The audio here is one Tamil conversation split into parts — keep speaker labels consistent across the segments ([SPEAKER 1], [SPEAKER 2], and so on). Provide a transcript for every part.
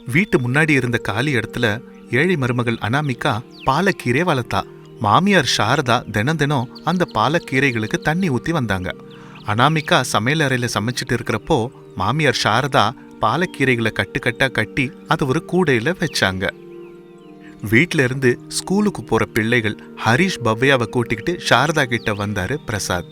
[SPEAKER 1] வீட்டு முன்னாடி இருந்த காலி இடத்துல ஏழை மருமகள் அனாமிகா பாலக்கீரை வளர்த்தா. மாமியார் சாரதா தினம் தினம் அந்த பாலக்கீரைகளுக்கு தண்ணி ஊத்தி வந்தாங்க. அனாமிகா சமையல் அறையில சமைச்சிட்டு இருக்கிறப்போ மாமியார் சாரதா பாலக்கீரைகளை கட்டுக்கட்டா கட்டி அதை ஒரு கூடையில வச்சாங்க. வீட்ல இருந்து ஸ்கூலுக்கு போற பிள்ளைகள் ஹரிஷ் பவ்யாவை கூட்டிக்கிட்டு சாரதா கிட்ட வந்தாரு பிரசாத்.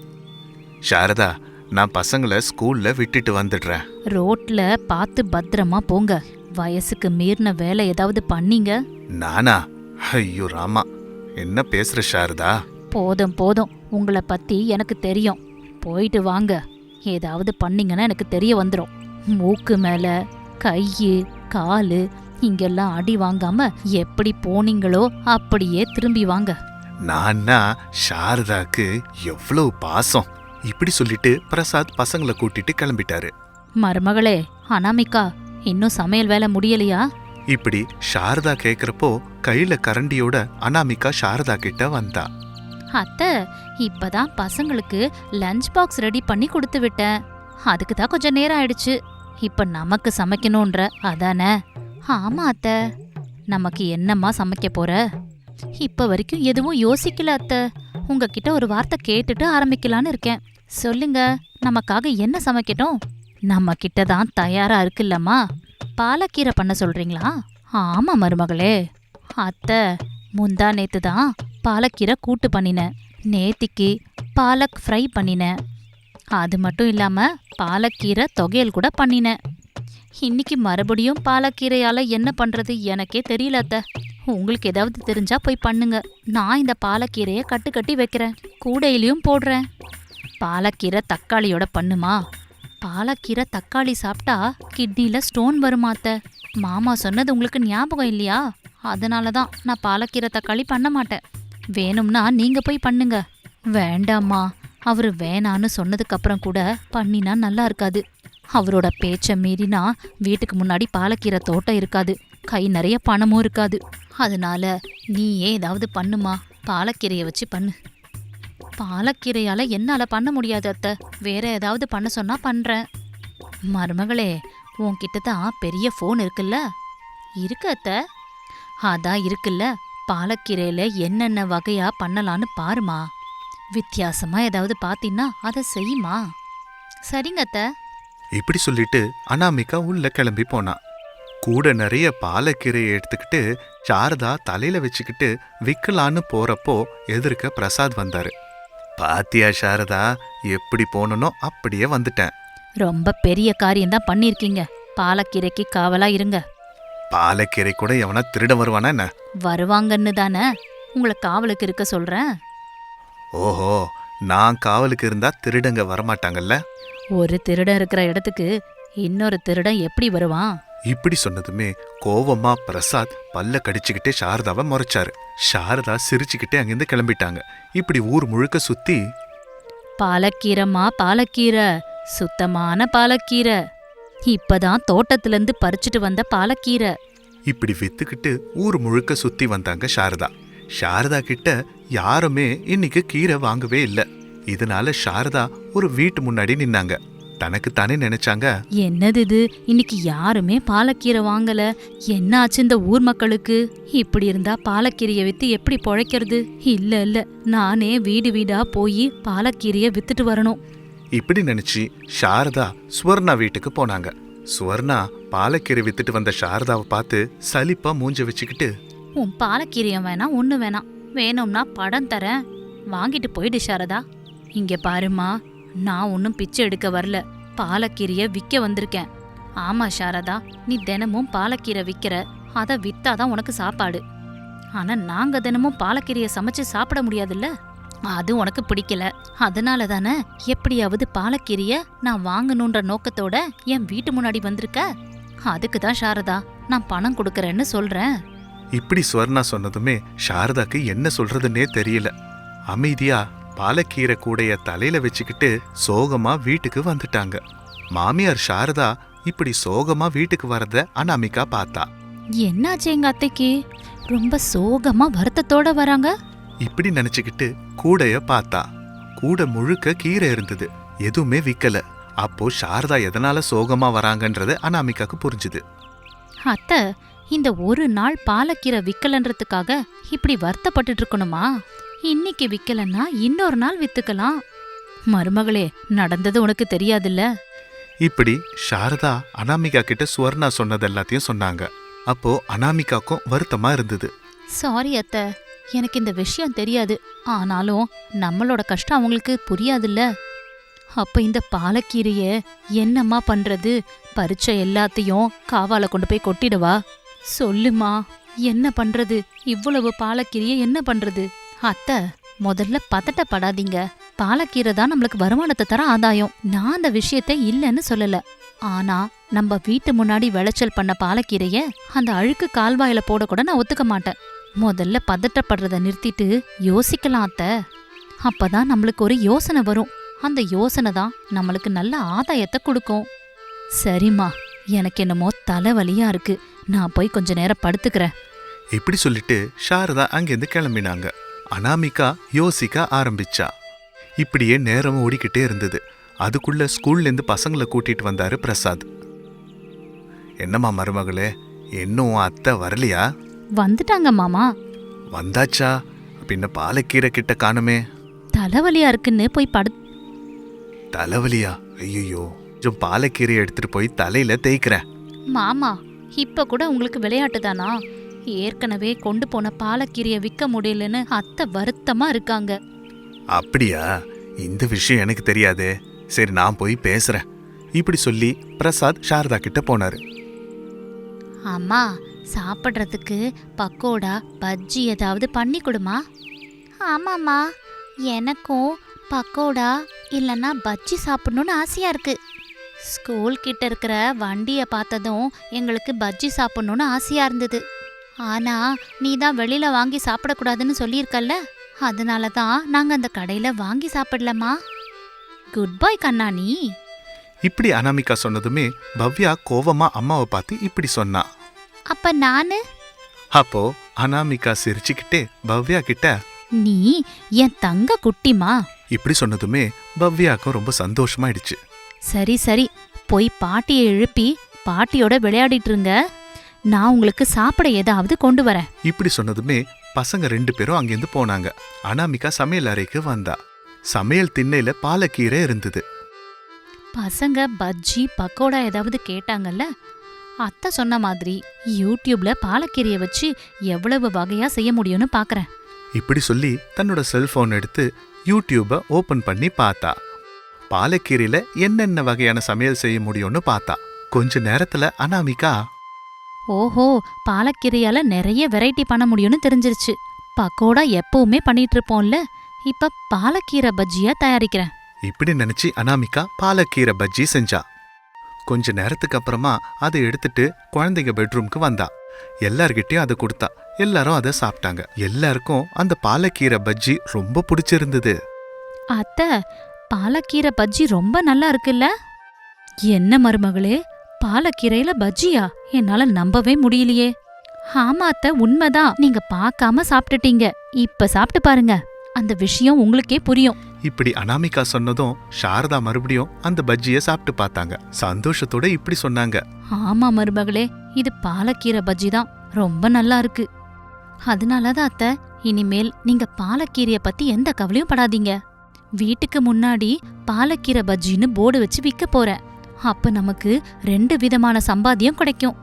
[SPEAKER 1] சாரதா, நான் பசங்களை ஸ்கூல்ல விட்டுட்டு வந்துடுறேன்.
[SPEAKER 2] ரோட்ல பார்த்து பத்திரமா போங்க. வயசுக்கு மீறின வேலை ஏதாவது பண்ணீங்க?
[SPEAKER 1] நானா? ஐயோ ராமா, என்ன பேசுற சாரதா?
[SPEAKER 2] போதும் போதும், உங்களை பத்தி எனக்கு தெரியும். போயிட்டு வாங்க. ஏதாவது பண்ணீங்கன்னா எனக்கு தெரிய வந்துடும். மூக்கு மேல கையு காலு இங்கெல்லாம் அடி வாங்காம எப்படி போனீங்களோ அப்படியே திரும்பி வாங்க.
[SPEAKER 1] நான்னா சாரதாக்கு எவ்வளவு பாசம்! இப்படி சொல்லிட்டு பிரசாத் பசங்களை கூட்டிட்டு கிளம்பிட்டாரு.
[SPEAKER 2] மருமகளே அனாமிகா, இன்னும் சமையல் வேலை முடியலையா?
[SPEAKER 1] இப்படி சாரதா கேக்குறப்போ கையில கரண்டியோட அனாமிகா சாரதா கிட்ட வந்தா.
[SPEAKER 2] அத்தை, இப்பதான் பசங்களுக்கு லஞ்ச் பாக்ஸ் ரெடி பண்ணி கொடுத்து விட்டேன். அதுக்கு தான் கொஞ்சம் நேரம் ஆயிடுச்சு. இப்ப நமக்கு சமைக்கணும்ன்ற அதானே? ஆமா அத்தை. நமக்கு என்னம்மா சமைக்க போற? இப்ப வரைக்கும் எதுவும் யோசிக்கல அத்தை. உங்ககிட்ட ஒரு வார்த்தை கேட்டுட்டு ஆரம்பிக்கலான்னு இருக்கேன். சொல்லுங்க, நமக்காக என்ன சமைக்கட்டும்? நம்ம கிட்ட தான் தயாரா இருக்குல்லம்மா. பாலக்கீரை பண்ண சொல்றீங்களா? ஆமா மருமகளே. அத்தை, முந்தா நேத்து தான் பாலக்கீரை கூட்டு பண்ணினேன். நேத்திக்கு பாலக் ஃப்ரை பண்ணினேன். அது மட்டும் இல்லாம பாலக்கீரை தொகையல் கூட பண்ணினேன். இன்னைக்கு மறுபடியும் பாலக்கீரையால என்ன பண்றது எனக்கே தெரியல அத்தை. உங்களுக்கு ஏதாவது தெரிஞ்சா போய் பண்ணுங்க. நான் இந்த பாலக்கீரையை கட்டு கட்டி வைக்கிறேன், கூடையிலையும் போடுறேன். பாலக்கீரை தக்காளியோட பண்ணுமா? பாலக்கீரை தக்காளி சாப்பிட்டா கிட்னில ஸ்டோன் வருமாத்த. மாமா சொன்னது உங்களுக்கு ஞாபகம் இல்லையா? அதனால தான் நான் பாலக்கீரை தக்காளி பண்ண மாட்டேன். வேணும்னா நீங்க போய் பண்ணுங்க. வேண்டாம்மா, அவரு வேணான்னு சொன்னதுக்கு அப்புறம் கூட பண்ணினா நல்லா இருக்காது. அவரோட பேச்ச மீறினா வீட்டுக்கு முன்னாடி பாலக்கீரை தோட்டம் இருக்காது, கை நிறைய பணமும் இருக்காது. அதனால நீயே ஏதாவது பண்ணுமா, பாலக்கீரையை வச்சு பண்ணு. பாலக்கீரையால என்னால பண்ண முடியாது அத்தை. வேற ஏதாவது பண்ண சொன்னா பண்றேன். மருமகளே, உன்கிட்ட தான் பெரிய ஃபோன் இருக்குல்ல? இருக்கு அத்தை. அதான் இருக்குல்ல, பாலக்கீரையில என்னென்ன வகையா பண்ணலான்னு பாருமா. வித்தியாசமா ஏதாவது பாத்தீங்கன்னா அதை செய்யுமா. சரிங்க அத்தை.
[SPEAKER 1] இப்படி சொல்லிட்டு அனாமிகா உள்ள கிளம்பி போனா. கூட நிறைய பாலக்கீரையை எடுத்துக்கிட்டு சாரதா தலையில வச்சுக்கிட்டு விக்கலான்னு போறப்போ எதிர்க்க பிரசாத் வந்தாரு. பாத்தியா சாரதா, எப்படி போனனோ அப்படியே வந்துட்டேன்.
[SPEAKER 2] ரொம்ப பெரிய காரியம்தான் பண்ணிருக்கீங்க. பாலக்கீரைக்கு காவலா இருங்க.
[SPEAKER 1] பாலக்கீரை கூட எவனா திருட வருவானா என்ன?
[SPEAKER 2] வருவாங்கன்னு தானே உங்களை காவலுக்கு இருக்க சொல்றேன்.
[SPEAKER 1] ஓஹோ, நான் காவலுக்கு இருந்தா திருடங்க வரமாட்டாங்கல்ல?
[SPEAKER 2] ஒரு திருடன் இருக்கிற இடத்துக்கு இன்னொரு திருடன் எப்படி வருவான்?
[SPEAKER 1] இப்படி சொன்னதுமே கோவமா பிரசாத் பல்ல கடிச்சுக்கிட்டே சாரதாவை முறைச்சாரு. சாரதா சிரிச்சுக்கிட்டே அங்கிருந்து கிளம்பிட்டாங்க. இப்படி ஊர் முழுக்க சுத்தி,
[SPEAKER 2] பாலக்கீரைமா பாலக்கீரை, சுத்தமான பாலக்கீரை, இப்பதான் தோட்டத்துல இருந்து பறிச்சுட்டு வந்த பாலக்கீரை.
[SPEAKER 1] இப்படி வித்துக்கிட்டு ஊர் முழுக்க சுத்தி வந்தாங்க சாரதா. சாரதா கிட்ட யாருமே இன்னைக்கு கீரை வாங்கவே இல்லை. இதனால சாரதா ஒரு வீட்டு முன்னாடி நின்னாங்க. தனக்கு தானே நினைச்சாங்க,
[SPEAKER 2] என்னது இது, இன்னைக்கு யாருமே பாலக்கீரை வாங்கல, என்ன ஆச்சு இந்த ஊர் மக்களுக்கு? இப்படி இருந்தா பாலக்கீரையை வித்து எப்படி பொழைக்கிறது? இல்ல இல்ல, நானே வீடு வீடா போய் பாலக்கீரையை வித்துட்டு வரணும்.
[SPEAKER 1] இப்படி நினைச்சு சாரதா சுவர்ணா வீட்டுக்கு போனாங்க. சுவர்ணா பாலக்கீரை வித்துட்டு வந்த சாரதாவை பார்த்து சலிப்பா மூஞ்ச வச்சுக்கிட்டு,
[SPEAKER 2] உன் பாலக்கீரையும் வேணாம், ஒண்ணு வேணாம், வேணும்னா படம் தரேன், வாங்கிட்டு போயிடு சாரதா. இங்க பாருமா, நான் ஒன்னும் பிச்சை எடுக்க வரல, பாலக்கீரைய விற்க வந்திருக்கேன். ஆமா சாரதா, நீ தினமும் பாலக்கீரை விற்கிற, அதை வித்தாதான் உனக்கு சாப்பாடு. ஆனா நாங்க தினமும் பாலக்கீரைய சமைச்சு சாப்பிட முடியாதுல்ல, அது உனக்கு பிடிக்கல. அதனால தானே எப்படியாவது பாலக்கீரைய நான் வாங்கணுன்ற நோக்கத்தோட என் வீட்டு முன்னாடி வந்திருக்க. அதுக்கு தான் சாரதா நான் பணம் கொடுக்கறேன்னு சொல்றேன்.
[SPEAKER 1] இப்படி சுவர்ணா சொன்னதுமே சாரதாக்கு என்ன சொல்றதுன்னே தெரியல. அமைதியா பாலக்கீரை கூடைய தலையில வச்சுக்கிட்டு சோகமா வீட்டுக்கு வந்துட்டாங்க. மாமியார் சாரதா இப்படி சோகமா வீட்டுக்கு வரத அனாமிகா பார்த்தா.
[SPEAKER 2] என்னாச்சு எங்க அத்தைக்கு? ரொம்ப சோகமா வருத்தத்தோட வராங்க.
[SPEAKER 1] இப்படி நினைச்சுக்கிட்டு கூடைய பார்த்தா. கூடை முழுக்க கீரை இருந்தது, எதுவுமே விக்கல. அப்போ சாரதா எதனால சோகமா வராங்கன்றது அனாமிகாக்கு புரிஞ்சுது.
[SPEAKER 2] அத்தை, இந்த ஒரு நாள் பாலக்கீரை விக்கலன்றதுக்காக இப்படி வருத்தப்பட்டுட்டு இருக்கணுமா? இன்னைக்கு விக்கலன்னா இன்னொரு நாள் வித்துக்கலாம். மருமகளே, நடந்தது உனக்கு தெரியாதுல்ல?
[SPEAKER 1] இப்படி சாரதா அனாமிகா கிட்ட சுவர்ணா சொன்னது எல்லாத்தையும் சொன்னாங்க. அப்போ அனாமிகாக்கும் வருத்தமா இருந்தது.
[SPEAKER 2] சாரி அத்தை, எனக்கு இந்த விஷயம் தெரியாது. ஆனாலும் நம்மளோட கஷ்டம் அவங்களுக்கு புரியாதுல்ல. அப்ப இந்த பாலக்கீரைய என்னம்மா பண்றது? பறிச்ச எல்லாத்தையும் காவால கொண்டு போய் கொட்டிடவா? சொல்லுமா, என்ன பண்றது? இவ்வளவு பாலக்கீரைய என்ன பண்றது? அத்தை, முதல்ல பதட்டப்படாதீங்க. பாலக்கீரை தான் நம்மளுக்கு வருமானத்தை தர ஆதாயம். நான் அந்த விஷயத்தை இல்லைன்னு சொல்லல. ஆனா நம்ம வீட்டு முன்னாடி விளைச்சல் பண்ண பாலக்கீரைய அந்த அழுக்கு கால்வாயில போட கூட நான் ஒத்துக்க மாட்டேன். முதல்ல பதட்டப்படுறத நிறுத்திட்டு யோசிக்கலாம் அத்தை. அப்பதான் நம்மளுக்கு ஒரு யோசனை வரும். அந்த யோசனை தான் நம்மளுக்கு நல்ல ஆதாயத்தை கொடுக்கும். சரிம்மா, எனக்கு என்னமோ தலைவலியா இருக்கு. நான் போய் கொஞ்ச நேரம் படுத்துக்கிறேன்.
[SPEAKER 1] இப்படி சொல்லிட்டு சாரதா அங்கிருந்து கிளம்பினாங்க. அனாமிகா யோசிக்க ஆரம்பிச்சா. இப்படியே நேரம் ஓடிக்கிட்டே இருந்தது. அதுக்குள்ள ஸ்கூல்ல இருந்து பசங்களை கூட்டிட்டு வந்தாரு பிரசாத். என்னம்மா மருமகளே, இன்னும் அத்தை வரலையா?
[SPEAKER 2] வந்துட்டாங்க மாமா.
[SPEAKER 1] வந்தாச்சா? பின்ன பாலக்கீரை கிட்ட காணுமே.
[SPEAKER 2] தலைவலியா இருக்குன்னு போய்
[SPEAKER 1] தலைவலியா? ஐயோ, கொஞ்சம் பாலக்கீரை எடுத்துட்டு போய் தலையில தேய்க்கிறேன்.
[SPEAKER 2] மாமா, இப்ப கூட உங்களுக்கு விளையாட்டு தானா? ஏற்கனவே கொண்டு போன பாலக்கீரைய விற்க முடியலன்னு அத்தை வருத்தமா இருக்காங்க.
[SPEAKER 1] அப்படியா? இந்த விஷயம் எனக்கு தெரியாதே. சரி, நான் போய் பேசுறேன். இப்படி சொல்லி பிரசாத் சாரதா கிட்ட போனாரு.
[SPEAKER 2] அம்மா, சாப்பிட்றதுக்கு பக்கோடா பஜ்ஜி ஏதாவது பண்ணி கொடுமா. ஆமாம்மா, எனக்கும் பக்கோடா இல்லைன்னா பஜ்ஜி சாப்பிடணும்னு ஆசையா இருக்கு. ஸ்கூல் கிட்ட இருக்கிற வண்டியை பார்த்ததும் எங்களுக்கு பஜ்ஜி சாப்பிடணும்னு ஆசையா இருந்தது. ஆனா நீ தான் வெளியில வாங்கி சாப்பிடக்கூடாதுன்னு சொல்லியிருக்கல்ல, அதனால தான் நாங்க அந்த கடையில வாங்கி சாப்பிடலம்மா. Good bye கண்ணாணி.
[SPEAKER 1] இப்படி அனாமிகா சொன்னதுமே பவ்யா கோவமா அம்மாவை பார்த்து இப்படி சொன்னா.
[SPEAKER 2] அப்ப நானு?
[SPEAKER 1] அப்போ அனாமிகா சிரிச்சுக்கிட்டே பவ்யா கிட்ட,
[SPEAKER 2] நீ என் தங்க குட்டிமா.
[SPEAKER 1] இப்படி சொன்னதுமே பவ்யாக்கும் ரொம்ப சந்தோஷமாயிடுச்சு.
[SPEAKER 2] சரி சரி, போய் பாட்டியை எழுப்பி பாட்டியோட விளையாடிட்டு இருங்க. நான் உங்களுக்கு சாப்பிட ஏதாவது கொண்டு வரேன்.
[SPEAKER 1] இப்படி சொன்னதுமே பசங்க 2 பேரும் அங்கிருந்து போனாங்க. அனாமிகா சமையல் அறைக்கு வந்தா. சமையல் திண்ணையில பாலக்கீரை இருந்தது.
[SPEAKER 2] பசங்க பஜ்ஜி பக்கோடா ஏதாவது கேட்டாங்கல்ல, அத்தை சொன்ன மாதிரி யூடியூப்ல பாலக்கீரையை வச்சு எவ்வளவு வகையா செய்ய முடியும்னு பாக்குறேன்.
[SPEAKER 1] இப்படி சொல்லி தன்னோட செல்போன் எடுத்து யூடியூப ஓபன் பண்ணி பார்த்தா. பாலக்கீரையில என்னென்ன வகையான சமையல் செய்ய முடியும்னு பார்த்தா. கொஞ்ச நேரத்துல அனாமிகா,
[SPEAKER 2] ஓஹோ, பாலக்கீரையால நிறைய வெரைட்டி பண்ண முடியும்னு தெரிஞ்சிருச்சு. பக்கோடா எப்பவுமே பண்ணிட்டு இருப்போம்ல, இப்ப பாலக்கீரை பஜ்ஜியா தயாரிக்கிறேன்.
[SPEAKER 1] இப்படி நினைச்சு அனாமிகா பாலக்கீரை பஜ்ஜி செஞ்சா. கொஞ்ச நேரத்துக்கு அப்புறமா அதை எடுத்துட்டு குழந்தைங்க பெட்ரூம்க்கு வந்தா. எல்லார்கிட்டயும் அதை கொடுத்தா. எல்லாரும் அதை சாப்பிட்டாங்க. எல்லாருக்கும் அந்த பாலக்கீரை பஜ்ஜி ரொம்ப பிடிச்சிருந்தது.
[SPEAKER 2] அத்தை, பாலக்கீரை பஜ்ஜி ரொம்ப நல்லா இருக்குல்ல? என்ன மருமகளே, பாலக்கீரையில பஜ்ஜியா? என்னால நம்பவே முடியலையே. ஆமா அத்தை, உண்மைதான். நீங்க பார்க்காம சாப்பிட்டுட்டீங்க. இப்ப சாப்பிட்டு பாருங்க, அந்த விஷயம் உங்களுக்கே புரியும்.
[SPEAKER 1] இப்படி அனாமிகா சொன்னதும் சாரதா மறுபடியும் அந்த பஜ்ஜிய சாப்பிட்டு பார்த்தாங்க. சந்தோஷத்தோட இப்படி சொன்னாங்க.
[SPEAKER 2] ஆமா மருமகளே, இது பாலக்கீரை பஜ்ஜி தான், ரொம்ப நல்லா இருக்கு. அதனாலதான் அத்தை, இனிமேல் நீங்க பாலக்கீரைய பத்தி எந்த கவலையும் படாதீங்க. வீட்டுக்கு முன்னாடி பாலக்கீரை பஜ்ஜின்னு போர்டு வச்சு விற்க போறேன். அப்ப நமக்கு 2 விதமான சம்பாத்தியம் கிடைக்கும்.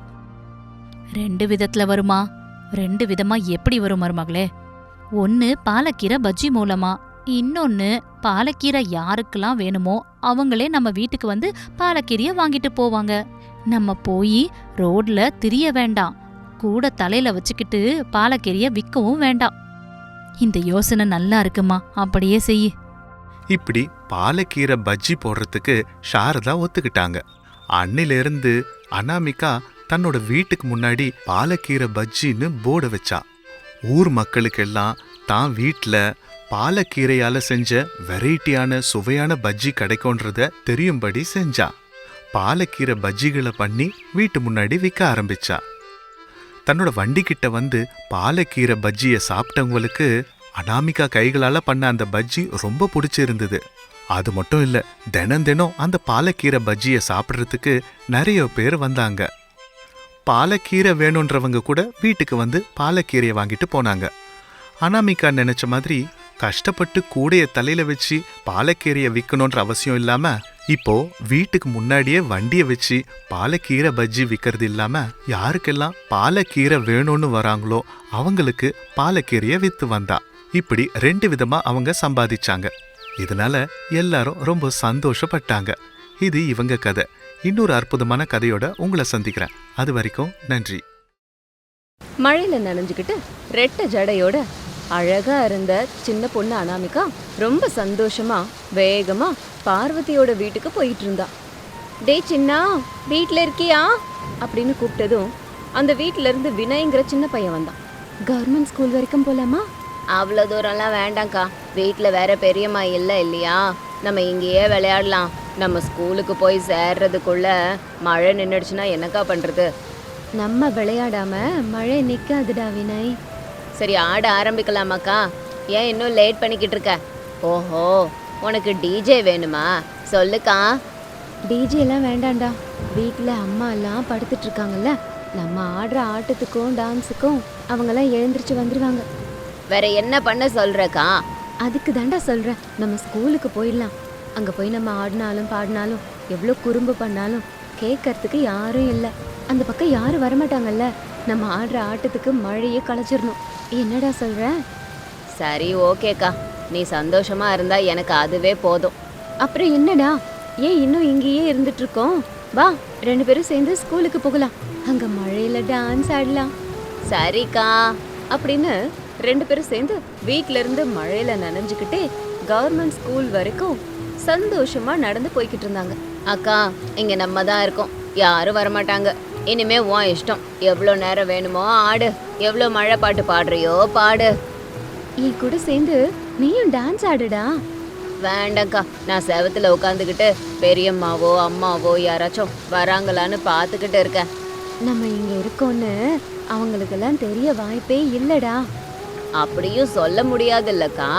[SPEAKER 2] 2 விதத்துல வருமா? 2 விதமா எப்படி வரும் மருமகளே? ஒன்னு பாலக்கீரை பஜ்ஜி மூலமா, இன்னொன்னு பாலக்கீரை யாருக்கெல்லாம் வேணுமோ அவங்களே நம்ம வீட்டுக்கு வந்து பாலக்கீரைய வாங்கிட்டு போவாங்க. நம்ம போய் ரோட்ல திரிய வேண்டாம், கூட தலையில வச்சுக்கிட்டு பாலக்கீரைய விற்கவும் வேண்டாம். இந்த யோசனை நல்லா இருக்குமா? அப்படியே செய்.
[SPEAKER 1] இப்படி பாலக்கீரை பஜ்ஜி போடுறதுக்கு சாரதா ஒத்துக்கிட்டாங்க. அன்னிலிருந்து அனாமிகா தன்னோட வீட்டுக்கு முன்னாடி பாலக்கீரை பஜ்ஜின்னு போர்டு வச்சா. ஊர் மக்களுக்கெல்லாம் தான் வீட்ல பாலக்கீரையால செஞ்ச வெரைட்டியான சுவையான பஜ்ஜி கிடைக்கும்ன்றத தெரியும்படி செஞ்சா. பாலக்கீரை பஜ்ஜிகளை பண்ணி வீட்டு முன்னாடி விற்க ஆரம்பிச்சா. தன்னோட வண்டி கிட்ட வந்து பாலக்கீரை பஜ்ஜிய சாப்பிட்டவங்களுக்கு அனாமிகா கைகளால பண்ண அந்த பஜ்ஜி ரொம்ப பிடிச்சிருந்தது. அது மட்டும் இல்ல, தினம் தினம் அந்த பாலக்கீரை பஜ்ஜிய சாப்பிட்றதுக்கு நிறைய பேர் வந்தாங்க. பாலக்கீரை வேணுன்றவங்க கூட வீட்டுக்கு வந்து பாலக்கீரையை வாங்கிட்டு போனாங்க. அனாமிகா நினைச்ச மாதிரி கஷ்டப்பட்டு கூடைய தலையில வச்சு பாலக்கீரையை விற்கணுன்ற அவசியம் இல்லாம இப்போ வீட்டுக்கு முன்னாடியே வண்டியை வச்சு பாலக்கீரை பஜ்ஜி விற்கிறது இல்லாம யாருக்கெல்லாம் பாலக்கீரை வேணும்னு வராங்களோ அவங்களுக்கு பாலக்கீரையை வித்து வந்தா. இப்படி 2 விதமா அவங்க சம்பாதிச்சாங்க. இதனால எல்லாரும் ரொம்ப சந்தோஷப்பட்டாங்க. இது இவங்க கதை. இன்னொரு அற்புதமான கதையோட உங்களை சந்திக்கிறேன். அது வரைக்கும் நன்றி.
[SPEAKER 3] மழையில நனைஞ்சுக்கிட்டு ரெட்டை ஜடையோட அழகா இருந்த சின்ன பொண்ணு அனாமிகா ரொம்ப சந்தோஷமா வேகமா பார்வதியோட வீட்டுக்கு போயிட்டு இருந்தா. டே சின்னா, வீட்ல இருக்கியா அப்படின்னு கூப்பிட்டதும் அந்த வீட்ல இருந்து வினய்ங்கிற சின்ன பையன் வந்தான். கவர்மெண்ட் ஸ்கூல் வரைக்கும் போலாமா? அவ்வளோ தூரம்லாம் வேண்டாம்க்கா, வீட்டில் வேற பெரியம்மா இல்லை இல்லையா, நம்ம இங்கேயே விளையாடலாம். நம்ம ஸ்கூலுக்கு போய் சேர்றதுக்குள்ள மழை நின்றுடுச்சுன்னா என்னக்கா பண்ணுறது? நம்ம விளையாடாம மழை நிற்காதுடா வினய். சரி, ஆட ஆரம்பிக்கலாமாக்கா? ஏன் இன்னும் லேட் பண்ணிக்கிட்டு இருக்க? ஓஹோ, உனக்கு டிஜே வேணுமா? சொல்லுக்கா. டிஜே எல்லாம் வேண்டாம்டா, வீட்டில் அம்மா எல்லாம் படுத்துட்டு இருக்காங்கல்ல, நம்ம ஆடுற ஆட்டத்துக்கும் டான்ஸுக்கும் அவங்கெல்லாம் எழுந்திரிச்சு வந்துருவாங்க. வேற என்ன பண்ண சொல்றக்கா? அதுக்கு தாண்டா சொல்றேன், நம்ம ஸ்கூலுக்கு போயிடலாம். அங்கே போய் நம்ம ஆடினாலும் பாடினாலும் எவ்வளோ குறும்பு பண்ணாலும் கேட்கறதுக்கு யாரும் இல்லை. அந்த பக்கம் யாரும் வரமாட்டாங்கல்ல. நம்ம ஆடுற ஆட்டத்துக்கு மழையே களைச்சிடணும். என்னடா சொல்ற? சரி, ஓகேக்கா, நீ சந்தோஷமா இருந்தா எனக்கு அதுவே போதும். அப்புறம் என்னடா, ஏன் இன்னும் இங்கேயே இருந்துட்டு இருக்கோம்? வா, 2 பேரும் சேர்ந்து ஸ்கூலுக்கு போகலாம். அங்க மழையில டான்ஸ் ஆடலாம். சரிக்கா அப்படின்னு 2 பேரும் சேர்ந்து வீட்ல இருந்து மழையில நனைஞ்சுக்கிட்டே கவர்மெண்ட் ஸ்கூல் வரைக்கும் சந்தோஷமா நடந்து போய்கிட்டு இருந்தாங்க. அக்கா, இங்க நம்ம தான் இருக்கோம், யாரும் வரமாட்டாங்க. இனிமே உன் இஷ்டம், எவ்வளோ நேரம் வேணுமோ ஆடு, எவ்வளோ மழை பாட்டு பாடுறியோ பாடு. என் கூட சேர்ந்து நீயும் டான்ஸ் ஆடுடா. வேண்டாம்க்கா, நான் செவத்துல உட்காந்துக்கிட்டு பெரியம்மாவோ அம்மாவோ யாராச்சும் வராங்களான்னு பார்த்துக்கிட்டு இருக்கேன். நம்ம இங்க இருக்கோன்னு அவங்களுக்கெல்லாம் தெரிய வாய்ப்பே இல்லடா. அப்படியும் சொல்ல முடியாதுல்லக்கா.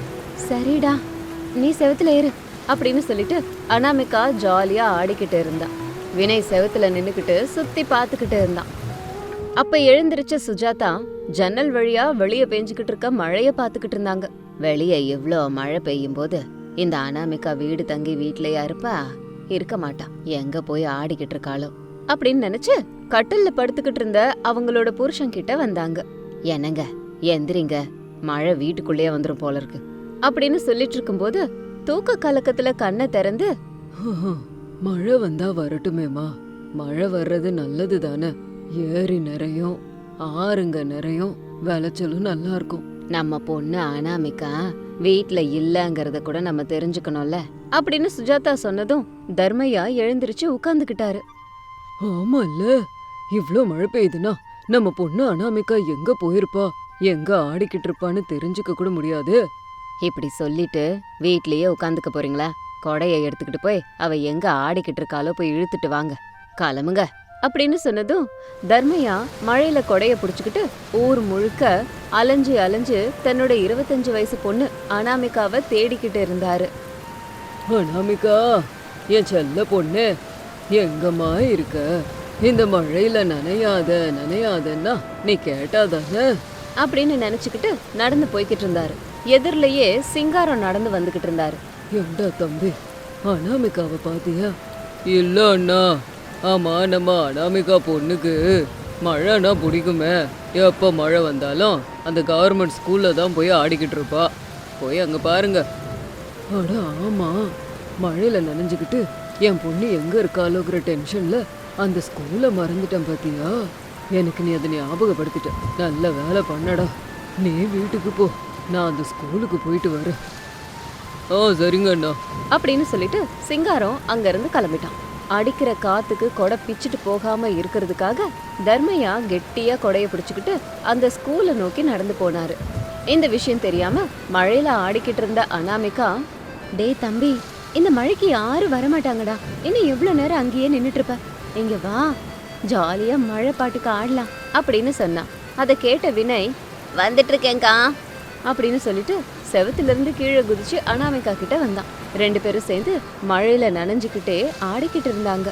[SPEAKER 3] சரிடா, நீ செவத்துல ஏறு அப்படின்னு சொல்லிட்டு அனாமிகா ஜாலியா ஆடிக்கிட்டு இருந்தா. வினய் செவத்துல நின்னுக்கிட்டு சுத்தி பார்த்துக்கிட்டு இருந்தான். அப்ப எழுந்திருச்ச சுஜாதா ஜன்னல் வழியா வெளியே பெஞ்சுக்கிட்டு இருக்க மழைய பார்த்துக்கிட்டு இருந்தாங்க. வெளியே இவ்ளோ மழை பெய்யும் போது இந்த அனாமிகா வீடு தங்கி வீட்லயா இருப்பா? இருக்க மாட்டா. எங்க போய் ஆடிக்கிட்டு இருக்காளோ அப்படின்னு நினைச்சு கட்டில்ல படுத்துக்கிட்டு இருந்த அவங்களோட புருஷன் கிட்ட வந்தாங்க. என்னங்க, எந்திரிங்க, மழை வீட்டுக்குள்ளேயே வந்துரும் போல இருக்கு அப்படின்னு சொல்லிட்டு இருக்கும்போது தூக்க கலக்கத்துல கண்ணை திறந்து,
[SPEAKER 4] மழை வந்தா வரட்டுமேமா, மழை வர்றது நல்லது தானே, ஏரி நிறையும் ஆறுங்க நிறையும் விளைச்சலும் நல்லா இருக்கும்.
[SPEAKER 3] நம்ம பொண்ணு அனாமிகா வீட்ல இல்லங்கறத கூட நம்ம தெரிஞ்சுக்கணும்ல அப்படின்னு சுஜாதா சொன்னதும் தர்மையா எழுந்திருச்சு உட்கார்ந்துகிட்டாரு.
[SPEAKER 4] ஆமால்ல, இவ்ளோ மழை பெய்யுதுன்னா நம்ம பொண்ணு அனாமிகா எங்க போயிருப்பா, எங்க ஆடிக்கிட்டு இருப்பான்னு தெரிஞ்சுக்க கூட முடியாது.
[SPEAKER 3] இப்படி சொல்லிட்டு வீட்லயே உட்காந்துக்க போறீங்களா? கொடைய எடுத்துக்கிட்டு போய் அவ எங்க ஆடிக்கிட்டு இருக்காளோ போய் இழுத்துட்டு வாங்க, கிளம்புங்க அப்படின்னு சொன்னதும் தர்மையா மழையில கொடைய புடிச்சுக்கிட்டு ஊர் முழுக்க அலைஞ்சு அலைஞ்சு தன்னோட 25 வயசு பொண்ணு அனாமிகாவை தேடிக்கிட்டு இருந்தாரு.
[SPEAKER 4] அனாமிகா, என் செல்ல பொண்ணு, எங்கம்மா இருக்க? இந்த மழையில நனையாதன்னா நீ கேட்டாதானே
[SPEAKER 3] அப்படின்னு நினைச்சுக்கிட்டு நடந்து போய்கிட்டு இருந்தாரு. எதிரிலேயே சிங்காரம் நடந்து வந்துகிட்டு இருந்தாரு.
[SPEAKER 4] ஏண்டா தம்பி, அனாமிகாவை பாத்தியா? இல்ல அண்ணா. ஆமா, நம்ம அனாமிகா பொண்ணுக்கு மழைனா பிடிக்குமே. எப்போ மழை வந்தாலும் அந்த கவர்மெண்ட் ஸ்கூல்ல தான் போய் ஆடிக்கிட்டு இருப்பா. போய் அங்க பாருங்க. அட ஆமா, மழையில நனைஞ்சுக்கிட்டு என் பொண்ணு எங்க இருக்காளோங்கிற டென்ஷன்ல அந்த ஸ்கூலை மறந்துட்டேன் பாத்தியா? எனக்கு நீ அதை ஞாபகப்படுத்திட்ட. நல்ல வேலை பண்ணடா. நீ வீட்டுக்கு போ, நான் அந்த ஸ்கூலுக்கு போயிட்டு வரேன். சரிங்க அண்ணா
[SPEAKER 3] அப்படின்னு சொல்லிட்டு சிங்காரம் அங்க இருந்து கிளம்பிட்டான். அடிக்கிற காத்துக்கு கொடை பிச்சுட்டு போகாம இருக்கிறதுக்காக தர்மையா கெட்டியா கொடைய பிடிச்சுக்கிட்டு அந்த ஸ்கூலை நோக்கி நடந்து போனாரு. இந்த விஷயம் தெரியாம மழையில ஆடிக்கிட்டு இருந்த அனாமிகா, டே தம்பி, இந்த மழைக்கு யாரும் வரமாட்டாங்கடா, இன்னும் எவ்வளவு நேரம் அங்கேயே நின்னுட்டு இருப்ப, இங்க வா, ஜாலியா மழை பாட்டுக்கு ஆடலாம் அப்படின்னு சொன்னான். அதை கேட்ட வினய், வந்துட்டு இருக்கேங்கா அப்படின்னு சொல்லிட்டு செவத்துல இருந்து கீழே குதிச்சு அனாமிகா கிட்ட வந்தான். 2 பேரும் சேர்ந்து மழையில நனைஞ்சுக்கிட்டே ஆடிக்கிட்டு இருந்தாங்க.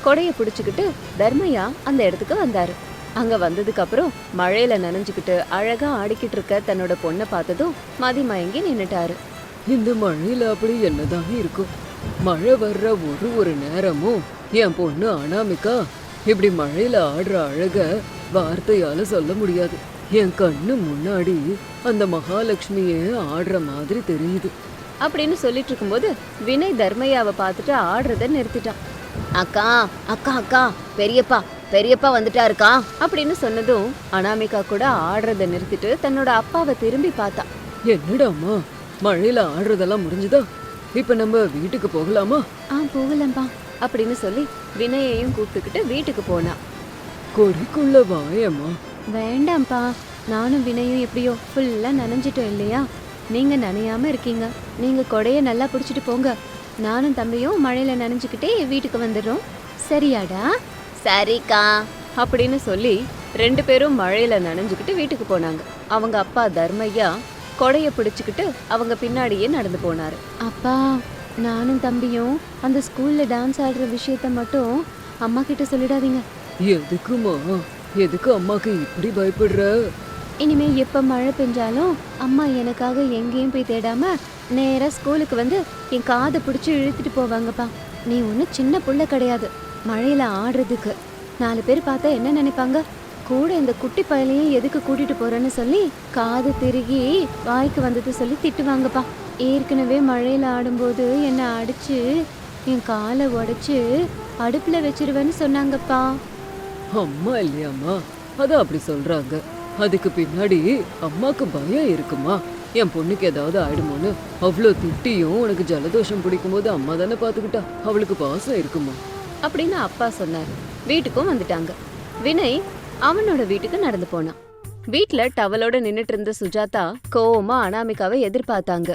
[SPEAKER 3] கொடைய பிடிச்சுக்கிட்டு தர்மையா அந்த இடத்துக்கு வந்தாரு. அங்க வந்ததுக்கு அப்புறம் மழையில நனைஞ்சுக்கிட்டு அழகா ஆடிக்கிட்டு இருக்க தன்னோட பொண்ணை பார்த்ததும் மதி மயங்கி நின்னுட்டாரு.
[SPEAKER 4] இந்த மழையில அப்படி என்னதான் இருக்கும்? மழை வர்ற ஒரு நேரமும் என் பொண்ணு அனாமிகா இப்படி மழையில ஆடுற அழக வார்த்தையால சொல்ல முடியாது. என் கண்ணு முன்னாடி அந்த மகாலட்சுமியே ஆடுற மாதிரி தெரியுது
[SPEAKER 3] அப்படின்னு சொல்லிட்டு இருக்கும்போது வினய் தர்மையாவை பார்த்துட்டு ஆடுறத நிறுத்திட்டான். அக்கா அக்கா அக்கா பெரியப்பா பெரியப்பா வந்துட்டாருக்கா அப்படின்னு சொன்னதும் அனாமிகா கூட ஆடுறத நிறுத்திட்டு தன்னோட அப்பாவை திரும்பி பார்த்தா.
[SPEAKER 4] என்னடாம்மா, மழையில ஆடுறதெல்லாம் முடிஞ்சுதா? இப்ப நம்ம வீட்டுக்கு போகலாமா?
[SPEAKER 3] போகலம்பா அப்படின்னு சொல்லி வினயையும் கூப்பிட்டுக்கிட்டு வீட்டுக்கு போனா.
[SPEAKER 4] கொடிக்குள்ள வாயம்மா.
[SPEAKER 3] வேண்டாம்ப்பா, நானும் வினயும் எப்படியோ ஃபுல்லா நனைஞ்சிட்டோம் இல்லையா? நீங்க நனையாம இருக்கீங்க. நீங்க கொடைய நல்லா பிடிச்சிட்டு போங்க. நானும் தம்பியும் மழையில நனைஞ்சுக்கிட்டே வீட்டுக்கு வந்துடுறோம். சரியாடா? சரிக்கா அப்படின்னு சொல்லி 2 பேரும் மழையில நனைஞ்சுக்கிட்டு வீட்டுக்கு போனாங்க. அவங்க அப்பா தர்மையா கொடைய பிடிச்சுக்கிட்டு அவங்க பின்னாடியே நடந்து போனாரு. அப்பா, நானும் தம்பியும் அந்த ஸ்கூல்ல டான்ஸ் ஆடுற விஷயத்த மட்டும் அம்மா கிட்ட சொல்லிடாதீங்க.
[SPEAKER 4] எதுக்குமா? எதுக்கு அம்மாக்கு இப்படி பயப்படுற?
[SPEAKER 3] இனிமே எப்ப மழை பெஞ்சாலும் அம்மா எனக்காக எங்கேயும் போய் தேடாம நேரா ஸ்கூலுக்கு வந்து என் காதை பிடிச்சி இழுத்துட்டு போவாங்கப்பா. நீ ஒன்றும் சின்ன புள்ள கிடையாது மழையில ஆடுறதுக்கு. 4 பேர் பார்த்தா என்ன நினைப்பாங்க? கூட இந்த குட்டி பயலையும் எதுக்கு கூட்டிட்டு போறேன்னு சொல்லி காது திருகி வாய்க்கு வந்தது சொல்லி திட்டுவாங்கப்பா. ஏற்கனவே மழையில ஆடும்போது என்னை அடிச்சு என் காலை உடைச்சு அடுப்புல வச்சிருவேன்னு சொன்னாங்கப்பா.
[SPEAKER 4] அம்மா இல்லையாம்மா, அதான் அப்படி சொல்றாங்க. அதுக்கு பின்னாடி அம்மாக்கு பயம் இருக்குமா? என் பொண்ணுக்கு ஏதாவது ஆயிடுமோன்னு அவ்வளோ திட்டியும் உனக்கு ஜலதோஷம் பிடிக்கும் போது அம்மா தானே பாத்துக்கிட்டா. அவளுக்கு பாசம் இருக்குமா
[SPEAKER 3] அப்படின்னு அப்பா சொன்னார். வீட்டுக்கும் வந்துட்டாங்க. வினய் அவனோட வீட்டுக்கு நடந்து போனான். வீட்ல டவலோட நின்னுட்டு இருந்த சுஜாதா கோவமா அனாமிகாவை எதிர்பார்த்தாங்க.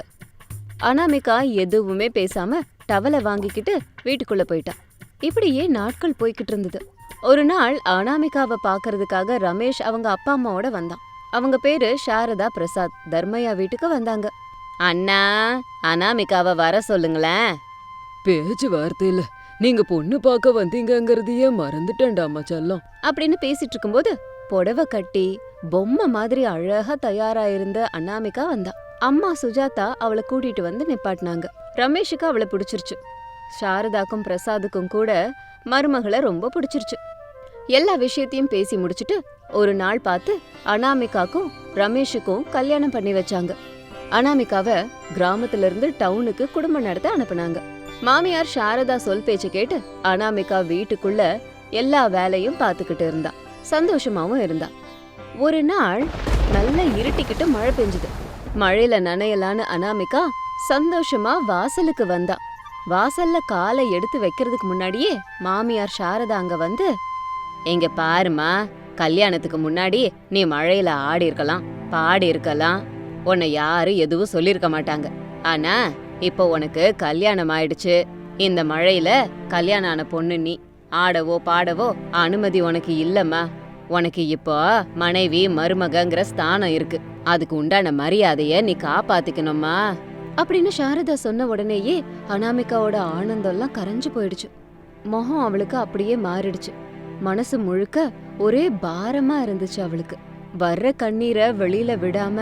[SPEAKER 3] அனாமிகா எதுவுமே பேசாம டவலை வாங்கிக்கிட்டு வீட்டுக்குள்ள போயிட்டான். இப்படியே நாட்கள் போய்கிட்டு இருந்தது. ஒரு நாள் அனாமிகாவை பாக்குறதுக்காக ரமேஷ் அவங்க அப்பா அம்மாவோட வந்தான். அவங்க பேரு சாரதா பிரசாத். தர்மையா வீட்டுக்கு வந்தாங்க. அண்ணா, அனாமிகாவை வர சொல்லுங்களேன்.
[SPEAKER 4] பேச்சு வார்த்தையில நீங்க பொண்ணு பார்க்க வந்தீங்கங்கிறதையே மறந்துட்டேன்டாமா செல்லம்
[SPEAKER 3] அப்படின்னு பேசிட்டு இருக்கும்போது புடவை கட்டி பொம்மை மாதிரி அழகா தயாரா இருந்த அனாமிகா வந்தா. அம்மா சுஜாதா அவளை கூட்டிட்டு வந்து நிப்பாட்டினாங்க. ரமேஷுக்கு அவளை பிடிச்சிருச்சு. சாரதாக்கும் பிரசாதுக்கும் கூட மருமகளை ரொம்ப பிடிச்சிருச்சு. எல்லா விஷயத்தையும் பேசி முடிச்சுட்டு ஒரு நாள் பார்த்து அனாமிகாக்கும் ரமேஷுக்கும் கல்யாணம் பண்ணி வச்சாங்க. அனாமிகாவை கிராமத்துல இருந்து டவுனுக்கு குடும்பம் நடத்த அனுப்புனாங்க. மாமியார் சாரதா சொல் பேச்ச கேட்டு அனாமிகா வீட்டுக்குள்ள எல்லா வேலையும் பார்த்துக்கிட்டு இருந்தா. சந்தோஷமாவும் இருந்தா. ஒரு நாள் நல்லா இருட்டிக்கிட்டு மழை பெஞ்சுது. மழையில நனையலான்னு அனாமிகா சந்தோஷமா வாசலுக்கு வந்தா. வாசல்ல காலை எடுத்து வைக்கிறதுக்கு முன்னாடியே மாமியார் சாரதா அங்க வந்து, எங்க பாருமா, கல்யாணத்துக்கு முன்னாடி நீ மழையில ஆடி இருக்கலாம், பாடி இருக்கலாம், உன்னை யாரும் எதுவும் சொல்லிருக்க மாட்டாங்க. ஆனா இப்போ உனக்கு கல்யாணம் ஆயிடுச்சு. இந்த மழையில கல்யாணம் ஆன பொண்ணு நீ. ஆடவோ பாடவோ அனுமதி உனக்கு இல்லம்மா. உனக்கு இப்போ மனைவி மருமகங்கிற ஸ்தானம் இருக்கு. அதுக்கு உண்டான மரியாதைய நீ காப்பாத்திக்கணுமா அப்படின்னு சாரதா சொன்ன உடனேயே அனாமிகாவோட ஆனந்தம்லாம் கரைஞ்சு போயிடுச்சு. முகம் அவளுக்கு அப்படியே மாறிடுச்சு. மனசு முழுக்க ஒரே பாரமா இருந்துச்சு அவளுக்கு. வர்ற கண்ணீரை வெளியில விடாம,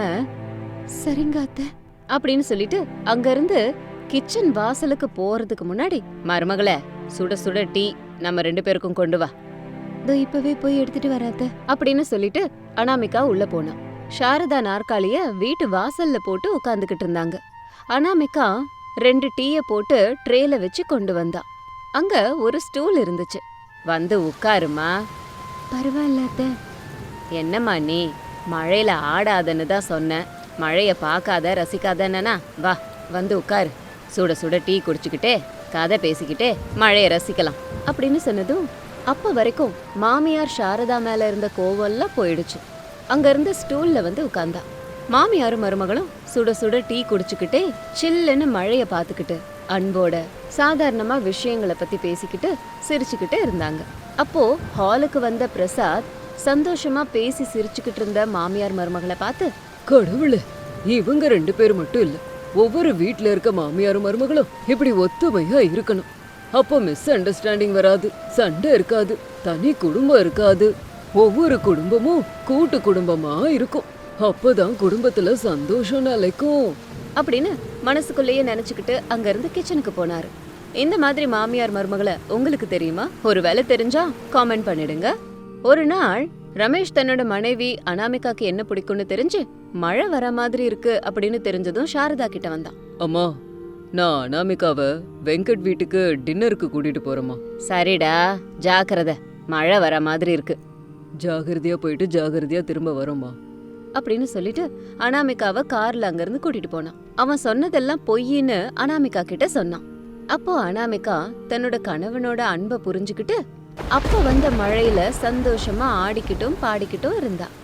[SPEAKER 3] சரிங்க அத்தை அப்படின்னு சொல்லிட்டு அங்கிருந்து கிச்சன் வாசலுக்கு போறதுக்கு முன்னாடி, மருமகளே, சுட சுட டீ நம்ம 2 பேருக்கும் கொண்டு வா. இப்பவே போய் எடுத்துட்டு வராத அப்படின்னு சொல்லிட்டு அனாமிகா உள்ள போனா. சாரதா நாற்காலிய வீட்டு வாசல்ல போட்டு உட்கார்ந்துகிட்டு இருந்தாங்க. அனாமிகா 2 டீய போட்டு ட்ரேல வச்சு கொண்டு வந்தா. அங்க ஒரு ஸ்டூல் இருந்துச்சு. வந்து உட்காருமா. பரவாயில்ல அத்தை. என்னம்மா நீ, மழையில ஆடாதன்னு தான் சொன்ன. மழைய பார்க்காத ரசிக்காதன்னா வா, வந்து உட்காரு. சுட சுட டீ குடிச்சுக்கிட்டே கதை பேசிக்கிட்டே மழைய ரசிக்கலாம் அப்படின்னு சொன்னதும் அப்ப வரைக்கும் மாமியார் சாரதா மேல இருந்த கோவம்லாம் போயிடுச்சு. அங்க இருந்த ஸ்டூல்ல வந்து உட்கார்ந்தா. மாமியாரும் மருமகளும் சுட சுட டீ குடிச்சுக்கிட்டே சில்லுன்னு மழைய பார்த்துக்கிட்டு அன்போட சாதாரணமா விஷயங்களை பத்தி பேசிக்கிட்டு சிரிச்சுக்கிட்டு இருந்தாங்க. அப்போ ஹாலுக்கு வந்த பிரசாத் சந்தோஷமா பேசி சிரிச்சுக்கிட்டு இருந்த மாமியார் மருமகளை பார்த்து,
[SPEAKER 4] கடவுளே, இவங்க 2 பேர் மட்டும் இல்ல, ஒவ்வொரு வீட்ல இருக்க மாமியாரும் மருமகளும் இப்படி ஒத்துமையா இருக்கணும். அப்போ மிஸ் அண்டர்ஸ்டாண்டிங் வராது, சண்டை இருக்காது, தனி குடும்பம் இருக்காது. ஒவ்வொரு குடும்பமும் கூட்டு குடும்பமா இருக்கும். அப்பதான் குடும்பத்துல சந்தோஷம் நிலைக்கும்.
[SPEAKER 3] அப்படின்னு மனசுக்குள்ளேயே நினைச்சுக்கிட்டு அங்கிருந்து கிச்சனுக்கு போனாரு. இந்த மாதிரி மாமியார் மருமகளை உங்களுக்கு தெரியுமா? ஒருவேளை தெரிஞ்சா காமெண்ட் பண்ணிடுங்க. ஒரு நாள் ரமேஷ் தன்னோட மனைவி அனாமிகாக்கு என்ன பிடிக்கும்னு தெரிஞ்சு மழை வர மாதிரி இருக்கு அப்படின்னு தெரிஞ்சதும் சாரதா கிட்ட வந்தான்.
[SPEAKER 4] அம்மா, நான் அனாமிகாவை வெங்கட் வீட்டுக்கு டின்னருக்கு கூட்டிட்டு போறேம்மா.
[SPEAKER 3] சரிடா, ஜாக்கிரதை, மழை வர மாதிரி இருக்கு
[SPEAKER 4] ஜாகிரதையா போயிட்டு ஜாகிரதையா திரும்ப வரோம்மா.
[SPEAKER 3] அப்படின்னு சொல்லிட்டு அனாமிகாவை கார்ல அங்கிருந்து கூட்டிட்டு போனான். அவன் சொன்னதெல்லாம் பொய்ன்னு அனாமிகா கிட்ட சொன்னான். அப்போ அனாமிகா தன்னோட கணவனோட அன்பை புரிஞ்சுக்கிட்டு அப்போ வந்த மழையில சந்தோஷமா ஆடிக்கிட்டும் பாடிக்கிட்டும் இருந்தா.